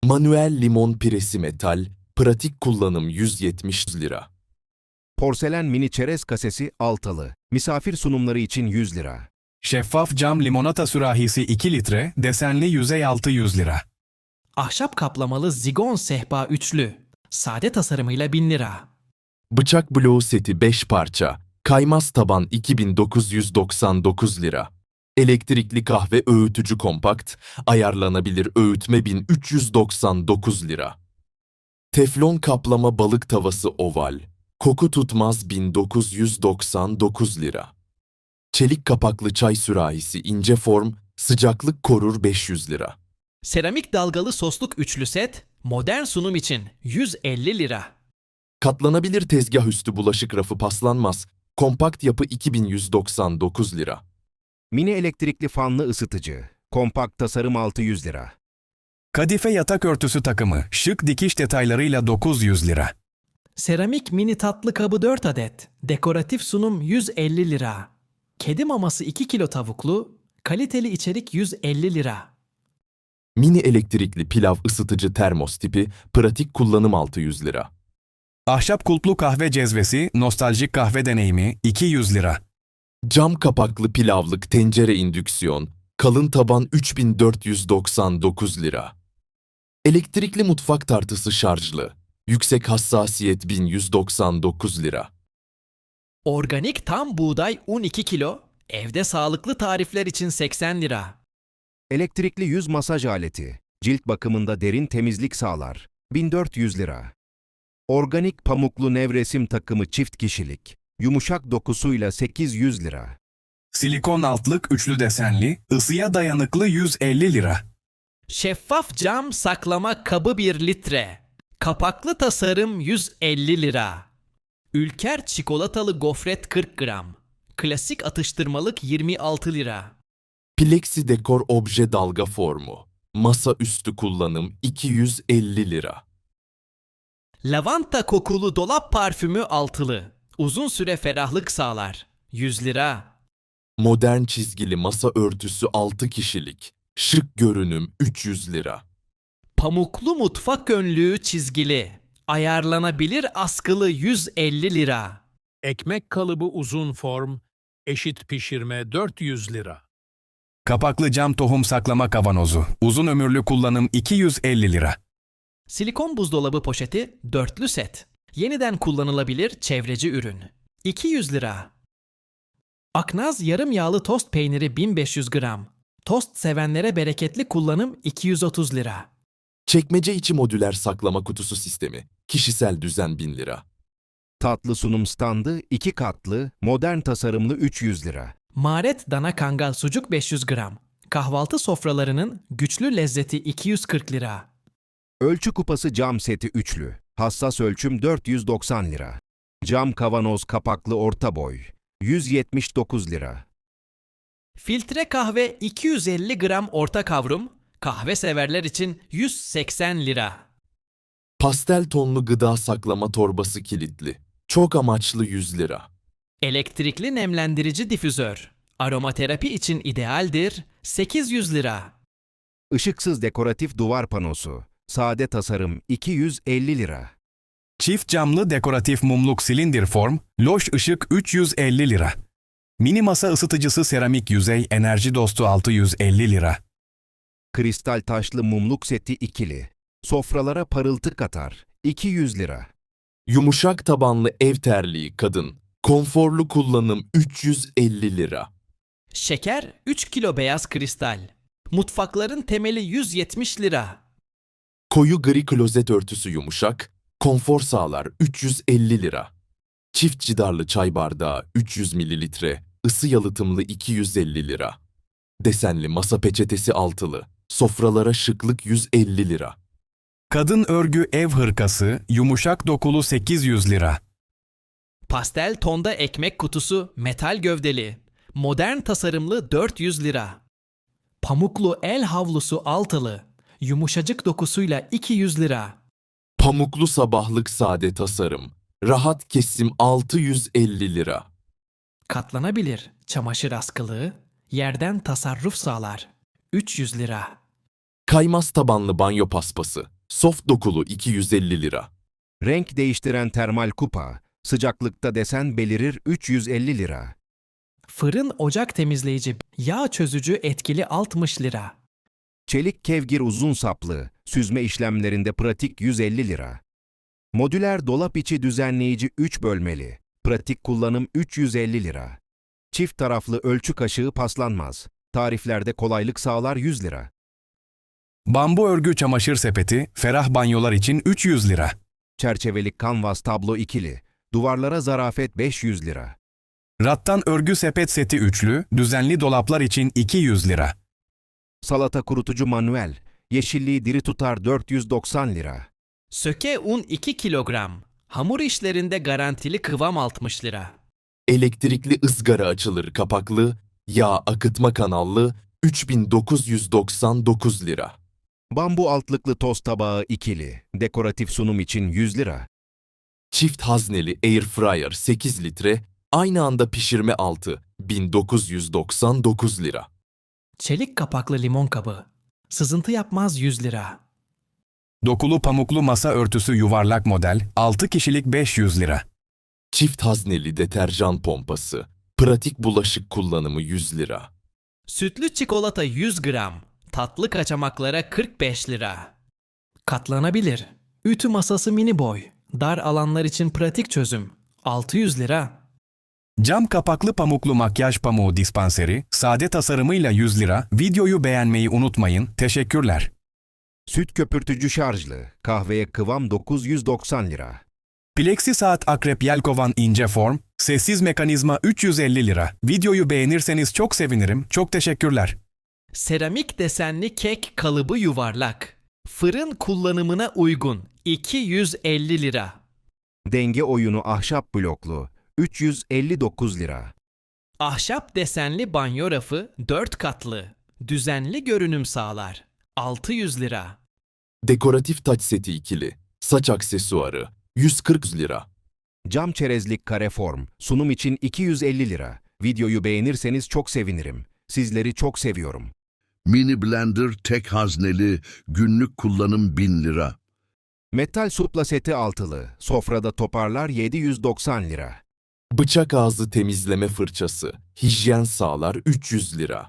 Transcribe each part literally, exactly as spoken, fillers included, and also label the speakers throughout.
Speaker 1: Manuel limon piresi metal, pratik kullanım yüz yetmiş lira.
Speaker 2: Porselen mini çerez kasesi altılı. Misafir sunumları için yüz lira.
Speaker 3: Şeffaf cam limonata sürahisi iki litre, desenli yüzey altı yüz lira.
Speaker 4: Ahşap kaplamalı zigon sehpa üçlü. Sade tasarımıyla bin lira.
Speaker 1: Bıçak bloğu seti beş parça, kaymaz taban iki bin dokuz yüz doksan dokuz lira. Elektrikli kahve öğütücü kompakt, ayarlanabilir öğütme bin üç yüz doksan dokuz lira. Teflon kaplama balık tavası oval, koku tutmaz bin dokuz yüz doksan dokuz lira. Çelik kapaklı çay sürahisi ince form, sıcaklık korur beş yüz lira.
Speaker 4: Seramik dalgalı sosluk üçlü set, modern sunum için yüz elli lira.
Speaker 1: Katlanabilir tezgah üstü bulaşık rafı paslanmaz, kompakt yapı iki bin yüz doksan dokuz lira.
Speaker 2: Mini elektrikli fanlı ısıtıcı. Kompakt tasarım altı yüz lira.
Speaker 3: Kadife yatak örtüsü takımı, şık dikiş detaylarıyla dokuz yüz lira.
Speaker 4: Seramik mini tatlı kabı dört adet, dekoratif sunum yüz elli lira. Kedi maması iki kilo tavuklu, kaliteli içerik yüz elli lira.
Speaker 1: Mini elektrikli pilav ısıtıcı termos tipi, pratik kullanım altı yüz lira.
Speaker 3: Ahşap kulplu kahve cezvesi, nostaljik kahve deneyimi iki yüz lira.
Speaker 1: Cam kapaklı pilavlık tencere indüksiyon, kalın taban üç bin dört yüz doksan dokuz lira. Elektrikli mutfak tartısı şarjlı, yüksek hassasiyet bin yüz doksan dokuz lira.
Speaker 4: Organik tam buğday un iki kilo, evde sağlıklı tarifler için seksen lira.
Speaker 2: Elektrikli yüz masaj aleti. Cilt bakımında derin temizlik sağlar. bin dört yüz lira. Organik pamuklu nevresim takımı çift kişilik. Yumuşak dokusuyla sekiz yüz lira.
Speaker 3: Silikon altlık üçlü desenli, ısıya dayanıklı yüz elli lira.
Speaker 4: Şeffaf cam saklama kabı bir litre. Kapaklı tasarım yüz elli lira. Ülker çikolatalı gofret kırk gram. Klasik atıştırmalık yirmi altı lira.
Speaker 1: Plexi dekor obje dalga formu, masa üstü kullanım iki yüz elli lira.
Speaker 4: Lavanta kokulu dolap parfümü altılı. Uzun süre ferahlık sağlar. yüz lira.
Speaker 1: Modern çizgili masa örtüsü altı kişilik, şık görünüm üç yüz lira.
Speaker 4: Pamuklu mutfak önlüğü çizgili. Ayarlanabilir askılı yüz elli lira.
Speaker 5: Ekmek kalıbı uzun form, eşit pişirme dört yüz lira.
Speaker 3: Kapaklı cam tohum saklama kavanozu, uzun ömürlü kullanım iki yüz elli lira.
Speaker 4: Silikon buzdolabı poşeti dörtlü set. Yeniden kullanılabilir çevreci ürün. iki yüz lira. Aknaz yarım yağlı tost peyniri bin beş yüz gram. Tost sevenlere bereketli kullanım iki yüz otuz lira.
Speaker 1: Çekmece içi modüler saklama kutusu sistemi, kişisel düzen bin lira.
Speaker 2: Tatlı sunum standı iki katlı, modern tasarımlı üç yüz lira.
Speaker 4: Maret dana kangal sucuk beş yüz gram. Kahvaltı sofralarının güçlü lezzeti iki yüz kırk lira.
Speaker 2: Ölçü kupası cam seti üçlü. Hassas ölçüm dört yüz doksan lira. Cam kavanoz kapaklı orta boy. yüz yetmiş dokuz lira.
Speaker 4: Filtre kahve iki yüz elli gram orta kavrum. Kahve severler için yüz seksen lira.
Speaker 1: Pastel tonlu gıda saklama torbası kilitli, çok amaçlı yüz lira.
Speaker 4: Elektrikli nemlendirici difüzör. Aromaterapi için idealdir. sekiz yüz lira.
Speaker 2: Işıksız dekoratif duvar panosu. Sade tasarım iki yüz elli lira.
Speaker 3: Çift camlı dekoratif mumluk silindir form, loş ışık üç yüz elli lira. Mini masa ısıtıcısı seramik yüzey enerji dostu altı yüz elli lira.
Speaker 2: Kristal taşlı mumluk seti ikili. Sofralara parıltı katar. iki yüz lira.
Speaker 1: Yumuşak tabanlı ev terliği kadın, konforlu kullanım üç yüz elli lira.
Speaker 4: Şeker üç kilo beyaz kristal. Mutfakların temeli yüz yetmiş lira.
Speaker 1: Koyu gri klozet örtüsü yumuşak, konfor sağlar üç yüz elli lira. Çift cidarlı çay bardağı üç yüz mililitre, ısı yalıtımlı iki yüz elli lira. Desenli masa peçetesi altılı, sofralara şıklık yüz elli lira.
Speaker 3: Kadın örgü ev hırkası, yumuşak dokulu sekiz yüz lira.
Speaker 4: Pastel tonda ekmek kutusu metal gövdeli. Modern tasarımlı dört yüz lira. Pamuklu el havlusu altılı. Yumuşacık dokusuyla iki yüz lira.
Speaker 1: Pamuklu sabahlık sade tasarım, rahat kesim altı yüz elli lira.
Speaker 4: Katlanabilir çamaşır askılığı. Yerden tasarruf sağlar. üç yüz lira.
Speaker 1: Kaymaz tabanlı banyo paspası, soft dokulu iki yüz elli lira.
Speaker 2: Renk değiştiren termal kupa, sıcaklıkta desen belirir üç yüz elli lira.
Speaker 4: Fırın ocak temizleyici, yağ çözücü etkili altmış lira.
Speaker 2: Çelik kevgir uzun saplı, süzme işlemlerinde pratik yüz elli lira. Modüler dolap içi düzenleyici üç bölmeli, pratik kullanım üç yüz elli lira. Çift taraflı ölçü kaşığı paslanmaz, tariflerde kolaylık sağlar yüz lira.
Speaker 3: Bambu örgü çamaşır sepeti, ferah banyolar için üç yüz lira.
Speaker 2: Çerçevelik kanvas tablo ikili, duvarlara zarafet beş yüz lira.
Speaker 3: Rattan örgü sepet seti üçlü, düzenli dolaplar için iki yüz lira.
Speaker 2: Salata kurutucu manuel, yeşilliği diri tutar dört yüz doksan lira.
Speaker 4: Söke un iki kilogram. Hamur işlerinde garantili kıvam altmış lira.
Speaker 1: Elektrikli ızgara açılır kapaklı, yağ akıtma kanallı üç bin dokuz yüz doksan dokuz lira.
Speaker 2: Bambu altlıklı tost tabağı ikili, dekoratif sunum için yüz lira.
Speaker 1: Çift hazneli air fryer sekiz litre, aynı anda pişirme altı bin dokuz yüz doksan dokuz lira.
Speaker 4: Çelik kapaklı limon kabı. Sızıntı yapmaz yüz lira.
Speaker 3: Dokulu pamuklu masa örtüsü yuvarlak model, altı kişilik beş yüz lira.
Speaker 1: Çift hazneli deterjan pompası, pratik bulaşık kullanımı yüz lira.
Speaker 4: Sütlü çikolata yüz gram. Tatlı kaçamaklara kırk beş lira. Katlanabilir. Ütü masası mini boy. Dar alanlar için pratik çözüm. altı yüz lira.
Speaker 3: Cam kapaklı pamuklu makyaj pamuğu dispanseri, sade tasarımıyla yüz lira. Videoyu beğenmeyi unutmayın. Teşekkürler.
Speaker 2: Süt köpürtücü şarjlı, kahveye kıvam dokuz yüz doksan lira.
Speaker 3: Plexi saat Akrep Yelkovan ince form, sessiz mekanizma üç yüz elli lira. Videoyu beğenirseniz çok sevinirim. Çok teşekkürler.
Speaker 4: Seramik desenli kek kalıbı yuvarlak. Fırın kullanımına uygun. iki yüz elli lira.
Speaker 2: Denge oyunu ahşap bloklu, üç yüz elli dokuz lira.
Speaker 4: Ahşap desenli banyo rafı dört katlı. Düzenli görünüm sağlar. altı yüz lira.
Speaker 1: Dekoratif taç seti ikili, saç aksesuarı yüz kırk lira.
Speaker 2: Cam çerezlik kare form, sunum için iki yüz elli lira. Videoyu beğenirseniz çok sevinirim. Sizleri çok seviyorum.
Speaker 6: Mini blender tek hazneli, günlük kullanım bin lira.
Speaker 2: Metal supla seti altılı, sofrada toparlar yedi yüz doksan lira.
Speaker 1: Bıçak ağzı temizleme fırçası, hijyen sağlar üç yüz lira.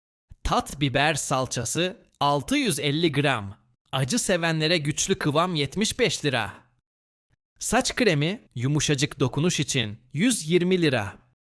Speaker 4: Tat biber salçası altı yüz elli gram. Acı sevenlere güçlü kıvam yetmiş beş lira. Saç kremi yumuşacık dokunuş için yüz yirmi lira.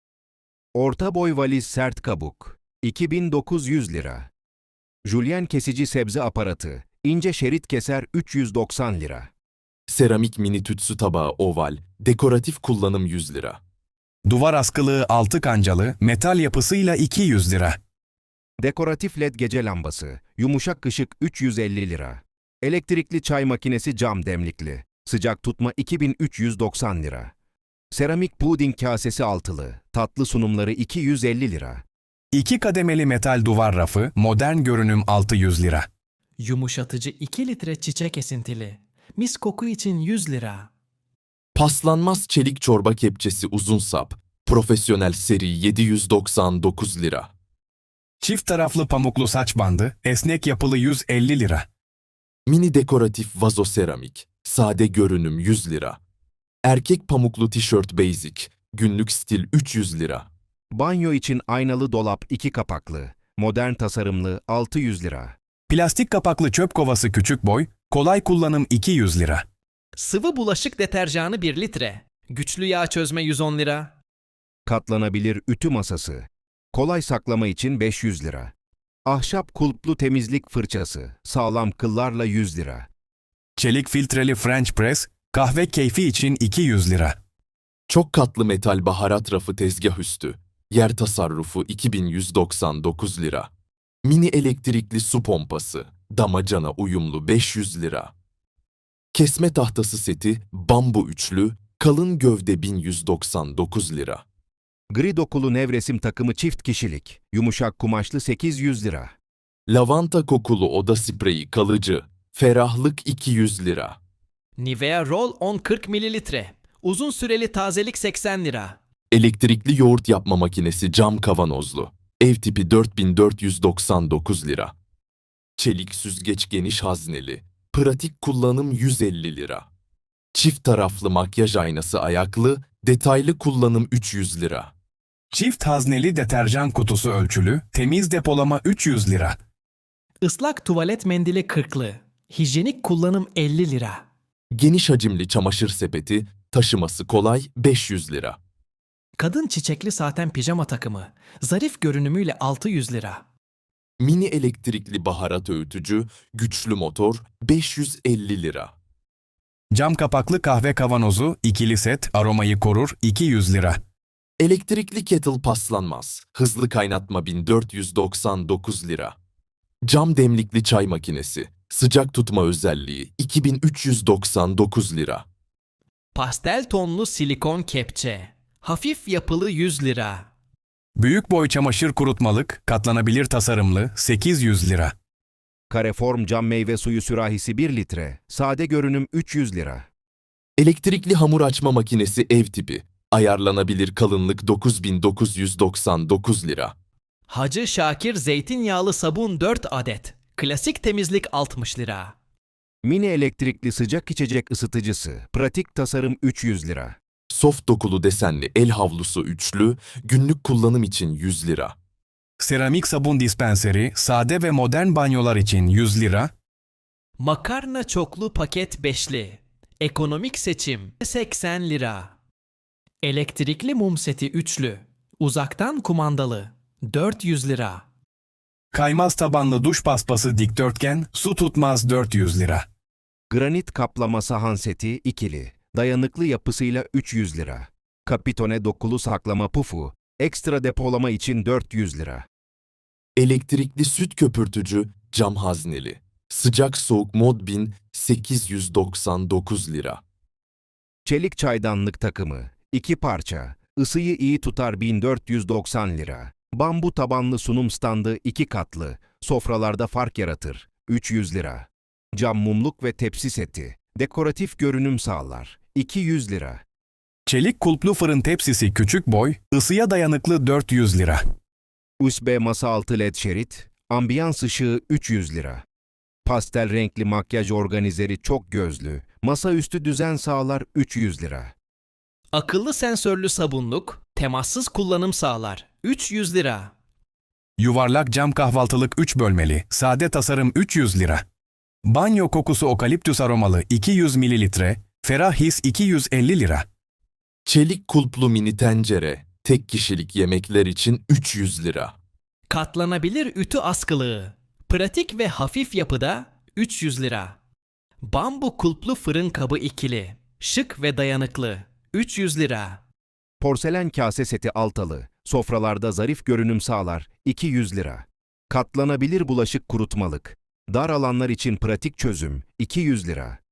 Speaker 2: Orta boy valiz sert kabuk, iki bin dokuz yüz lira. Julien kesici sebze aparatı, ince şerit keser üç yüz doksan lira.
Speaker 1: Seramik mini tütsü tabağı oval, dekoratif kullanım yüz lira.
Speaker 3: Duvar askılığı altı kancalı, metal yapısıyla iki yüz lira.
Speaker 2: Dekoratif led gece lambası, yumuşak ışık üç yüz elli lira. Elektrikli çay makinesi cam demlikli, sıcak tutma iki bin üç yüz doksan lira. Seramik puding kasesi altılı, tatlı sunumları iki yüz elli lira.
Speaker 3: İki kademeli metal duvar rafı, modern görünüm altı yüz lira.
Speaker 4: Yumuşatıcı iki litre çiçek esintili. Mis koku için yüz lira.
Speaker 1: Paslanmaz çelik çorba kepçesi uzun sap, profesyonel seri yedi yüz doksan dokuz lira.
Speaker 3: Çift taraflı pamuklu saç bandı, esnek yapılı yüz elli lira.
Speaker 1: Mini dekoratif vazo seramik, sade görünüm yüz lira. Erkek pamuklu tişört basic, günlük stil üç yüz lira.
Speaker 2: Banyo için aynalı dolap iki kapaklı, modern tasarımlı altı yüz lira.
Speaker 3: Plastik kapaklı çöp kovası küçük boy, kolay kullanım iki yüz lira.
Speaker 4: Sıvı bulaşık deterjanı bir litre. Güçlü yağ çözme yüz on lira.
Speaker 2: Katlanabilir ütü masası, kolay saklama için beş yüz lira. Ahşap kulplu temizlik fırçası, sağlam kıllarla yüz lira.
Speaker 3: Çelik filtreli French press, kahve keyfi için iki yüz lira.
Speaker 1: Çok katlı metal baharat rafı tezgah üstü, yer tasarrufu iki bin yüz doksan dokuz lira. Mini elektrikli su pompası, damacana uyumlu beş yüz lira. Kesme tahtası seti, bambu üçlü, kalın gövde bin yüz doksan dokuz lira.
Speaker 2: Gri dokulu nevresim takımı çift kişilik, yumuşak kumaşlı sekiz yüz lira.
Speaker 1: Lavanta kokulu oda spreyi kalıcı, ferahlık iki yüz lira.
Speaker 4: Nivea Roll on kırk mililitre. Uzun süreli tazelik seksen lira.
Speaker 1: Elektrikli yoğurt yapma makinesi cam kavanozlu, ev tipi dört bin dört yüz doksan dokuz lira. Çelik süzgeç geniş hazneli, Pratik kullanım yüz elli lira. Çift taraflı makyaj aynası ayaklı, detaylı kullanım üç yüz lira.
Speaker 3: Çift hazneli deterjan kutusu ölçülü, temiz depolama üç yüz lira.
Speaker 4: Islak tuvalet mendili kırklı. Hijyenik kullanım elli lira.
Speaker 1: Geniş hacimli çamaşır sepeti, taşıması kolay beş yüz lira.
Speaker 4: Kadın çiçekli saten pijama takımı. Zarif görünümüyle altı yüz lira.
Speaker 1: Mini elektrikli baharat öğütücü, güçlü motor beş yüz elli lira.
Speaker 3: Cam kapaklı kahve kavanozu, ikili set, aromayı korur iki yüz lira.
Speaker 1: Elektrikli kettle paslanmaz, hızlı kaynatma bin dört yüz doksan dokuz lira. Cam demlikli çay makinesi, sıcak tutma özelliği iki bin üç yüz doksan dokuz lira.
Speaker 4: Pastel tonlu silikon kepçe. Hafif yapılı yüz lira.
Speaker 3: Büyük boy çamaşır kurutmalık, katlanabilir tasarımlı sekiz yüz lira.
Speaker 2: Kareform cam meyve suyu sürahisi bir litre. Sade görünüm üç yüz lira.
Speaker 1: Elektrikli hamur açma makinesi ev tipi, ayarlanabilir kalınlık dokuz bin dokuz yüz doksan dokuz lira.
Speaker 4: Hacı Şakir zeytinyağlı sabun dört adet. Klasik temizlik altmış lira.
Speaker 2: Mini elektrikli sıcak içecek ısıtıcısı. Pratik tasarım üç yüz lira.
Speaker 1: Soft dokulu desenli el havlusu üçlü, günlük kullanım için yüz lira.
Speaker 3: Seramik sabun dispenseri, sade ve modern banyolar için yüz lira.
Speaker 4: Makarna çoklu paket beşli. Ekonomik seçim seksen lira. Elektrikli mum seti üçlü. Uzaktan kumandalı dört yüz lira.
Speaker 3: Kaymaz tabanlı duş paspası dikdörtgen, su tutmaz dört yüz lira.
Speaker 2: Granit kaplama sahan seti ikili. Dayanıklı yapısıyla üç yüz lira. Kapitone dokulu saklama pufu. Ekstra depolama için dört yüz lira.
Speaker 1: Elektrikli süt köpürtücü cam hazneli. Sıcak soğuk mod bin sekiz yüz doksan dokuz lira.
Speaker 2: Çelik çaydanlık takımı. iki parça. Isıyı iyi tutar bin dört yüz doksan lira. Bambu tabanlı sunum standı iki katlı. Sofralarda fark yaratır. üç yüz lira. Cam mumluk ve tepsi seti. Dekoratif görünüm sağlar. iki yüz lira.
Speaker 3: Çelik kulplu fırın tepsisi küçük boy, ısıya dayanıklı dört yüz lira.
Speaker 2: U S B masa altı led şerit. Ambiyans ışığı üç yüz lira. Pastel renkli makyaj organizeri çok gözlü. Masaüstü düzen sağlar üç yüz lira.
Speaker 4: Akıllı sensörlü sabunluk, temassız kullanım sağlar üç yüz lira.
Speaker 3: Yuvarlak cam kahvaltılık üç bölmeli, sade tasarım üç yüz lira. Banyo kokusu okaliptüs aromalı iki yüz mililitre, ferah his iki yüz elli lira.
Speaker 1: Çelik kulplu mini tencere, tek kişilik yemekler için üç yüz lira.
Speaker 4: Katlanabilir ütü askılığı. Pratik ve hafif yapıda üç yüz lira. Bambu kulplu fırın kabı ikili. Şık ve dayanıklı üç yüz lira.
Speaker 2: Porselen kase seti altalı. Sofralarda zarif görünüm sağlar iki yüz lira. Katlanabilir bulaşık kurutmalık. Dar alanlar için pratik çözüm iki yüz lira.